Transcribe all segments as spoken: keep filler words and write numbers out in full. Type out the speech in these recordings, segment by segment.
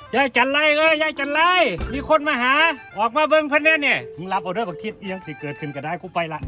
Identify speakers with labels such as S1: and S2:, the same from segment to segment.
S1: ยายจันไรเอ้ยยายจันไรมีคนมาหาออกมาเบิ่งเพิ่นแน่เนี่ยมึงรับออเดอร์บักทิศยังสิเกิดขึ้นก็ได้กูไปละ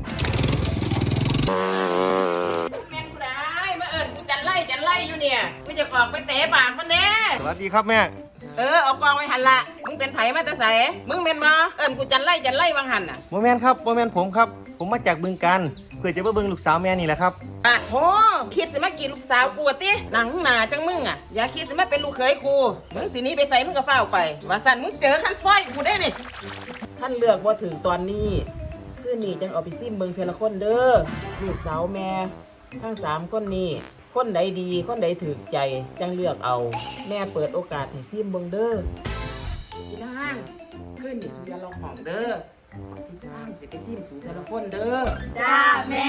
S2: แม่นกูได้มาเอิญกูจันไล่จันไล่อยู่เนี่ยกูจะออกไปเตะปากมันแน่
S3: สวัสดีครับแม่
S2: เออเอากองไว้หันละมึงเป็นไผมาแต่ไสมึงเป็นมาเอิญกูจันไล่จันไล่วางหันน่ะ
S3: โมแมนครับโมแมนผมครับผมมาจากบึงการเพื่อจะมาเบิ่งลูกสาวแม่นี่แหละครับ
S2: อ่ะโหคิดสิมากินลูกสาวกูติหนังหนาจังมึงอ่ะอย่าคิดสิมาเป็นลูกเขยกูมึงสินี้ไปใส่มึงก็เฝ้าไปว่าสั่นมึงเจอขั้นฟ้อยกูได้นี่ท่านเลือกว่าถึงตอนนี้คืนนี้จังเอาไปซิมเบิ่งเทละคนเด้อลูกสาวแม่ทั้งสามคนนี้คนใดดีคนใดถือใจจังเลือกเอาแม่เปิดโอกาสให้ซิมเบิ่งเด้อพี่นางคืนนี้สุยาลองของเด้อพี่นางสิไปซิมสู่เทละคนเด้อ
S4: จ้าแม่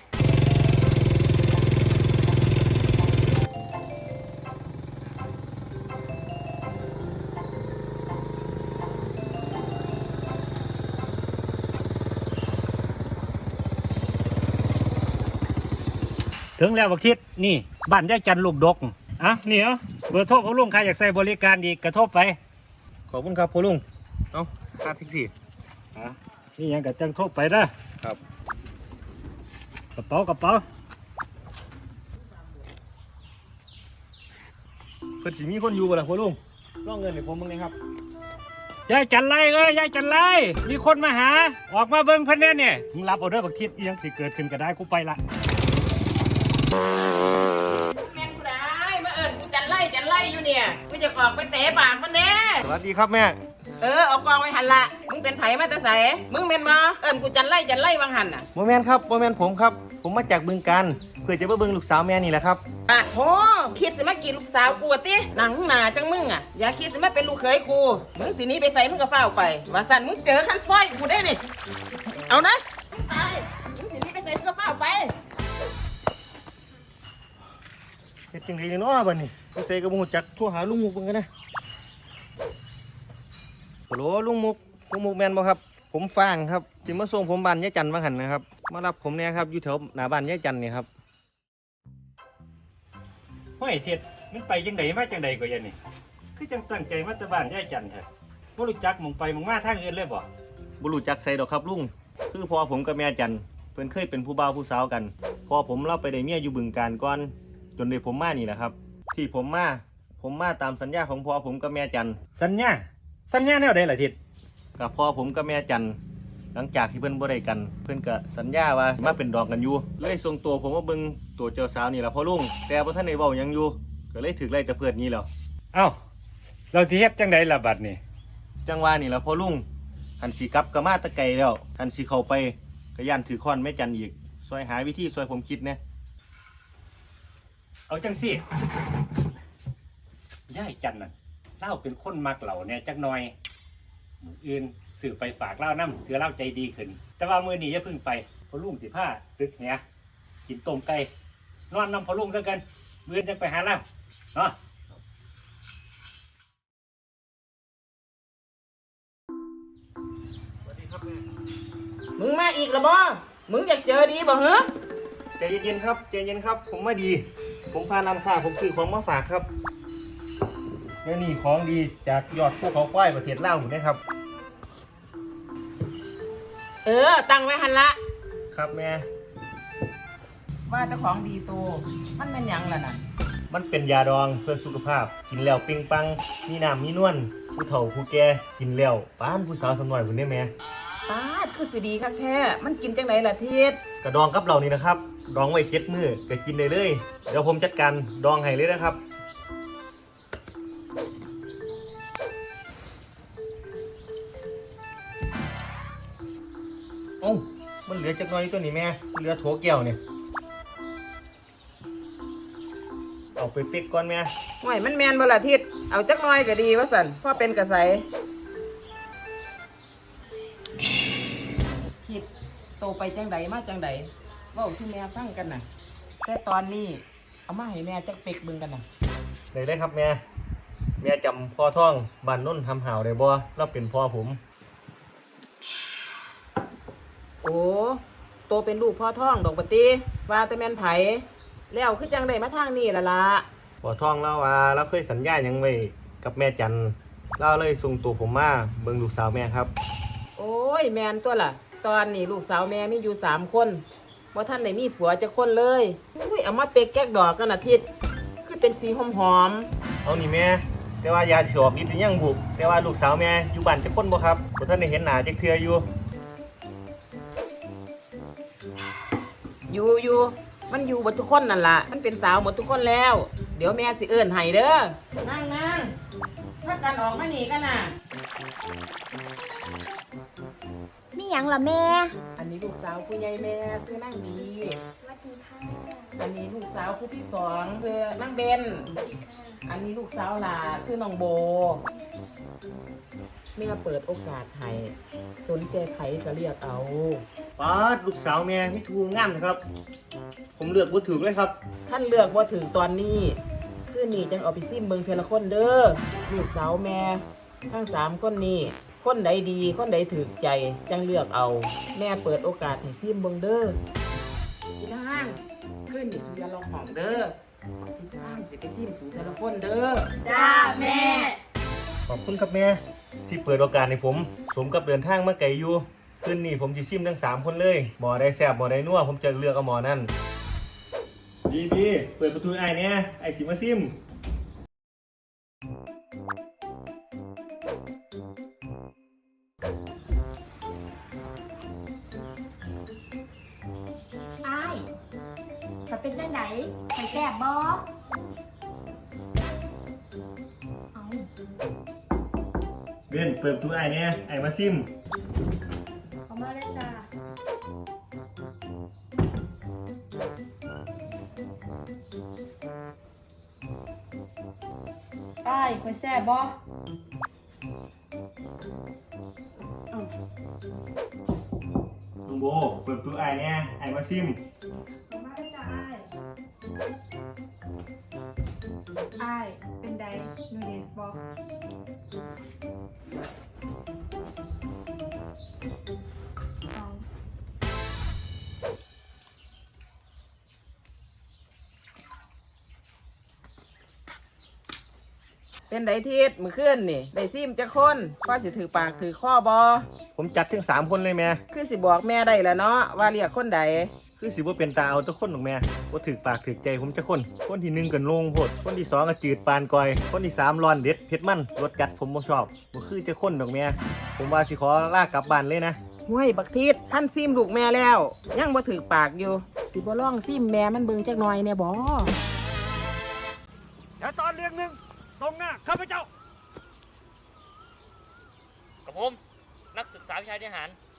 S1: ถึงแล้วบักทิศนี่บ้านยายจันลูกดกอ่ะนี่เอาเบอร์โทรของลุงใครอยากใส่บริการอีกกระทบไป
S3: ขอบคุณครับพ่อลุงเอ้าค่าแท็กซี่
S1: อ่ะนี่ยังกับจังโทรไปนะครับกระเป๋ากระเป๋า
S3: เพิ่นสิมีคนอยู่บ่ล่ะพ่อลุงลองเงินให้ผมบ้างเลยครับ
S1: ยายจันไรเอ้ยยายจันไรมีคนมาหาออกมาเบิ่งเพิ่นแน่เนี่ยมึงรับออเดอร์บักทิศยังสิเกิดขึ้นก็ได้กูไปละ
S2: แม่นกูได้มาเอิญกูจันไล่จันไล่อยู่เนี่ยกูจะออกไปเตะปากมันแน่
S3: สวัสดีครับแม่
S2: เออเอากองไว้หันละมึงเป็นไผมาแต่ไสมึงเป็นมาเอิญกูจันไล่จันไล่วางหันน่ะ
S3: โมแมนครับโมแมนผมครับผมมาจากบึงการเพื่อจะมาเบิ่งลูกสาวแม่นี่แหละครับ
S2: อ่ะโหคิดสิมากินลูกสาวกูติหนังหนาจังมึงอ่ะอย่าคิดสิมาเป็นลูกเขยกูมึงสินี้ไปใส่มึงก็เฝ้าไปว่าสั่นมึงเจอขั้นฟ้อยกูได้นี่เอานะมึงตายมึงสินี้ไปใส่มึงก็เฝ้าไป
S3: เฮ็ดจังได๋เนาะบัดนี้ไปใส่กับบ่ฮู้จักโทรหาลุงมุกเบิ่งกันนะฮัลโหลลุงมุกลุงมุกแม่นบ่ครับผมฟางครับสิมาส่งผมบ้านยายจันทร์ว่าหั่นนะครับมารับผมเนี่ยครับอยู่แถวหน้าบ้านยายจันทร์นี่ครับ
S1: ห้อยเท็ดมันไปจังไดมาจังไดก็ยันนี่คือจังตั้งใจมาแต่บ้านยายจันทร์แท้บ่รู้จักหม่องไปหม่องมาทางอื่นเลยบ่
S3: บ่รู้จักใส่ดอกครับลุงคือพ่อผมกับแม่จันทร์เพิ่นเคยเป็นผู้บ่าวผู้สาวกันพ่อผมเล่าไปได้เมียอยู่บึงการก่อนจนได้ผมมานี่แหละครับที่ผมมาผมมาตามสัญญาของพ่อผมกับแม่จัน
S1: สัญญาสัญญาแนวใดล่ะทิศ
S3: กับพ่อผมกับแม่จันหลังจากที่เพิ่นบ่ได้กันเพิ่นก็สัญญาว่ามาเป็นดอกกันอยู่เลยส่งตัวผมมาเบิ่งตัวเจ้าสาวนี่ล่ะพ่อลุงแต่บ่ทันได้เว้าหยังอยู่ก็เลยถูกไล่ตะเพิดนี้แล้ว
S1: เอ้าเราสิเฮ็ดจังไดล่ะบัดนี้
S3: จังว่านี่ล่ะพ่อลุงหันสิกลับก็มาตะไกลแล้วหันสิเข้าไปก็ย่านถือค้อนแม่จันอีกซอยหาวิธีซอยผมคิดนะ
S1: เอาจังสิยายจันน่ะเล่าเป็นคนมักเหล่าเนี่ยจักหน่อยมื้ออื่นสื่อไปฝากเล่านำเพื่อเล่าใจดีขึ้นแต่ว่ามื้อนี้อย่าพึ่งไปพอลุงสิพาตึกเหียกินต้มไก่นอนนำพอลุงซะกันมื้ออื่นจังไปหาเล่าเนาะ
S3: สวัสดีครับแม่
S2: มึงมาอีกแล้วบ่มึงอยากเจอดีบ่เหรอ
S3: ใจเย็นๆครับใจเย็นครับผมมาดีผมพานันค่าผมซื้อของมาฝากครับและนี่ของดีจากยอดภูเขาควายประเทศลาวนะครับ
S2: เออตั้งไว้หันละ
S3: ครับแม่
S2: ว่าเจ้าของดีโตมันเป็นยังล่ะน่ะ
S3: มันเป็นยาดองเพื่อสุขภาพกินแล้วปิงปังมีน้ำมีนวลผู้เฒ่าผู้แก่กินแล้วป้านผู้สาวสมัยพุ่นได้แม่
S2: ป้าคือสิดีคักแท้มันกินจังไดล่ะทิศ
S3: กระดองกับเรานี่นะครับดองไว้เจ็ดมื้อก็กินได้เลยเดี๋ยวผมจัดการดองให้เลยนะครับโอ้มันเหลือจักหน่อยตัวนี้แม่เหลือโถแก้วเนี่ยเอาไปเป๊กก่อนแม่
S2: ห่วยมันแมนบ่ล่ะทิศเอาจักหน่อยก็ดีว่าสั่นพ่อเป็นกระใสทิศโตไปจังไดมาจังไดเว้าสิแม่ฟังกันน่ะแต่ตอนนี้เอามาให้แม่จักเป๊กเบิ่งกันน่ะ
S3: ได้ได้ครับแม่แม่จำพ่อท่องบ้านนุ่นทำห่าวได้บ่เราเป็นพ่อผม
S2: โอ้โตเป็นลูกพ่อท่องดอกปฏิว่าแต่แม่นไผแล้วคือจังไดมาทางนี้ล่ะล่ะ
S3: พ่อท่องแล้วว่าเราเคยสัญญาหยังไว้กับแม่จันเล่าเลยส่งตัวผมมาเบิ่งลูกสาวแม่ครับ
S2: โอ้ยแมนตัวล่ะ ตอนนี้ลูกสาวแม่มีอยู่สามคนว่าท่านไหนมีผัวจะคนเลยอุ้ยเอามาเป๊กแก๊กดอกกันอาทิตย์คือเป็นสีหอมหอม
S3: เอานี่แม่แต่ว่ายาสิออกฤทธิ์หรือยังบุแต่ว่าลูกสาวแม่อยู่บ้านจะคนบ่ครับบ่ทันได้เห็นหน้าจักเทื่ออยู่
S2: ๆอยู่อยู่มันอยู่หมดทุกคนนั่นล่ะมันเป็นสาวหมดทุกคนแล้ว เดี๋ยวแม่สิเอิ้นให้เด้อนั่งนั่งถ้ากันออกมาหนีกันน่ะ
S4: มีหยังล่ะแม่
S2: อันนี้ลูกสาวผู้ใหญ่แม่ซื้อนั่งดี
S4: สวัสดีค่ะ
S2: อันนี้ลูกสาวผู้ที่สองคือนั่งเบน อันนี้ลูกสาวหลาชื่อน้องโบแม่เปิดโอกาสให้สนใจใครก็เรียกเอา
S3: ป๊าดลูกสาวแม่มีทูงามครับ ผมเลือกบ่ถูกเลยครับ
S2: ท่านเลือกว่าถึงตอนนี้คือนี่จังเอาไปซิมเบิงเทละคนเด้อลูกสาวแม่ ทั้งสามคนนี้คนใดดีคนใดถือใจจังเลือกเอา แม่เปิดโอกาสให้ซิมเบิงเด้อพี่นางขึ้นนี่สุยาลองของเด้อที่ทางสิไปซิมสู่เทละคนเด้อ
S4: จ้าแม่
S3: ขอบคุณครับแม่ที่เปิดโอกาสให้ผม สมกับเดินทางมาไกลอยู่คืนนี้ผมสิซิมทั้งสามคนเลยหมอได้แซ่บหมอได้นัวผมจะเลือกเอาหมอนั่นพี่พี่เปิดประตูไอ้เนี่ยไอ้สิมาซิม
S4: อ้ายมันเป็นจังไดไปแซ่บบ่เอา
S3: เบนเปิดประตูไอ้เนี่ยไอ้มาซิม
S4: เอามาเลยจ้าอ้ายไปแซ่บบ่
S3: ลุงโบเปิดประตูไอ้เนี่ยไอ้มาซิม
S4: เอามาเลยจ้าอ้ายอ้ายเป็นไดหนูเด็ดบ่เอา
S2: เป็นไดทิศมือขึ้นนี่ได้ซิมจะคนก็สิถือปากถือข้อบอ
S3: ผมจัดถึงสามคนเลยแม่
S2: คือสิบอกแม่ได้แล้วเนาะว่าเรียกคนใด
S3: คือสิว่าเป็นตาเอาแตะคนหรอกแม่ว่าถือปากถือใจผมจะคน คนที่หนึ่งกันโลงโพดคนที่สองก็จืดปานกอย คนที่สามร้อนเด็ดเผ็ดมันรสจัดผมบ่ชอบบ่คือจะคนดอกแม่ผมว่าสิขอลากกลับบ้านเลยนะ
S2: ห้วยบักทิศท่านซิมลูกแม่แล้ว ยังบ่ถือปากอยู่ สิบ่ร้องซิมแม่มันเบิ่งจักหน่อยแน่บ่
S1: แต่ตอนเรียงหนึ่งตรงหน้าข้าพเจ้า
S5: กับผมนักศึกษาวิชาทหาร